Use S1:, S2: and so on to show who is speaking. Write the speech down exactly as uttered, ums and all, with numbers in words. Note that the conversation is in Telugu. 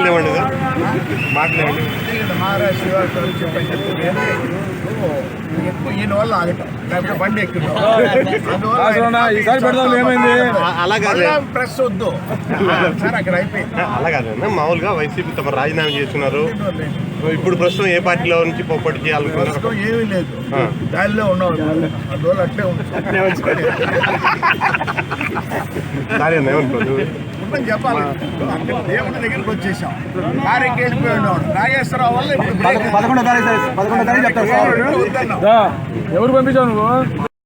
S1: మాటలు ఇవ్వండి మాటలు ఇవ్వండి.
S2: మహారాష్ట్ర చెప్పని చెప్పి ఎక్కువ ఈయన వల్ల ఆగటం లేకపోతే బండి ఎక్కువ
S3: ఏమైంది
S1: అలాగే
S2: ప్రెస్ వద్దు సార్ అక్కడ అయిపోయింది.
S1: అలాగేనా మామూలుగా వైసీపీ తమ రాజీనామా చేస్తున్నారు. ఇప్పుడు ప్రస్తుతం ఏ పార్టీలో నుంచి పోటీ చేయాలనుకుంటున్నారు?
S2: ఏమీ లేదు, దానిలో ఉన్నాం అందువల్ల అట్లే ఉంటుంది చెప్పాలి. దేవుడి దగ్గరికి వచ్చేసాం, కారెక్కి వెళ్ళిపోయాడు నాగేశ్వరరావు వల్ల
S3: పదకొండో తారీఖు పదకొండో తారీఖు చెప్తారు. ఎవరు పంపించావు నువ్వు?